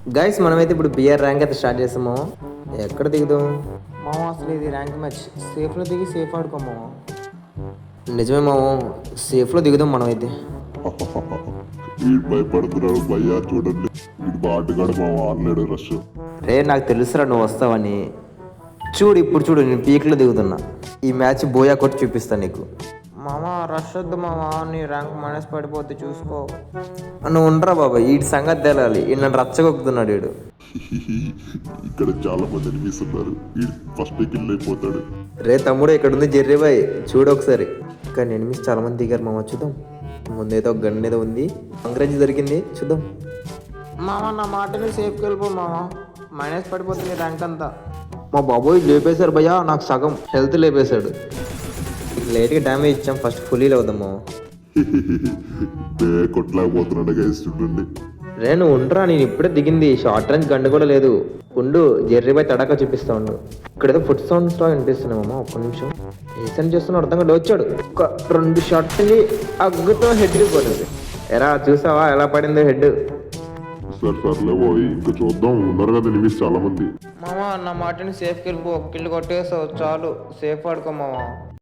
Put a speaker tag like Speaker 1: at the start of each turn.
Speaker 1: Guys మనమైతే ఇప్పుడు BR rank అయితే స్టార్ట్ చేస్తాము. ఎక్కడ దిగుదాం మామ? అసలు ఇది ర్యాంక్ మ్యాచ్. సేఫ్లో దిగి సేఫ్ ఆడుకోమామ. నిజమే మామ, సేఫ్లో దిగుదాం మనమైతే.
Speaker 2: వీడు భయపడుతున్నాడు భయ్యా, చూడండి వీడు బాటుగాడు మా ఆడలేడు రష్.
Speaker 1: రే నాకు తెలుసురా నువ్వు వస్తావని. చూడు ఇప్పుడు చూడు, నేను పీక్లో దిగుతున్నా. ఈ మ్యాచ్ బోయా కొట్టి చూపిస్తాను నీకు. మామ రష్ వద్దు మామ, నీ ర్యాంక్ మైనస్ పడిపోతే చూసుకో. నువ్వు ఉండరా బాబా, వీడి సంగతి తెలాలి. ఈ నన్ను రచ్చగొక్కుతున్నాడు వీడు.
Speaker 2: ఇక్కడ చాలా మంది అనిపిస్తున్నారు, వీడు ఫస్ట్ కిల్ అయిపోతాడు.
Speaker 1: రే తమ్ముడు, ఇక్కడ ఉంది జెర్రీ బాయ్, చూడు ఒకసారి. కానీ ఎనిమిస్ చాలా మంది దిగారు మామ, చూద్దాం. ముందేదో ఒక గన్ ఏదో ఉంది, అంగ్రేజ్ దొరికింది, చూద్దాం. మామ నా మాటని సేఫ్కి వెళ్ళిపో మామ, మైనస్ పడిపోతుంది ర్యాంక్ అంతా. మా బాబోయ్ లేపేశారు భయ్యా, నాకు సగం హెల్త్ లేపేశాడు. లేట్గా డ్యామేజ్ ఇచ్చాం, ఫస్ట్ ఫుల్లీ అవుదాం మామ.
Speaker 2: కొట్టలేకపోతున్నాడు గైస్, చూడండి.
Speaker 1: రే నువ్వు ఉండరా, నేను ఇప్పుడే దిగింది. షార్ట్ రేంజ్ గంట కూడా లేదు. ఉండు, జెర్రీ బాయ్ తడాక చూపిస్తా ఉండు. ఇక్కడ ఏదో ఫుడ్ సౌండ్స్ లా వినిపిస్తున్నామమ్మా, ఒక్క నిమిషం. ఏసని చేస్తున్నా అర్థం కాదు. వచ్చాడు, ఒక 2 షార్ట్ అగ్గుతో హెడ్ పోతుంది. ఎరా చూసావా ఎలా పడిందో హెడ్?
Speaker 2: సర్లే పోయి ఇంకా చూద్దాం, ఉన్నారు కదా ఎనిమిస్ చాలా మంది.
Speaker 1: మామ నా మాటని సేఫ్కి వెళ్ళిపో, కిల్లు కొట్టేసావు చాలు, సేఫ్ ఆడుకో మామ.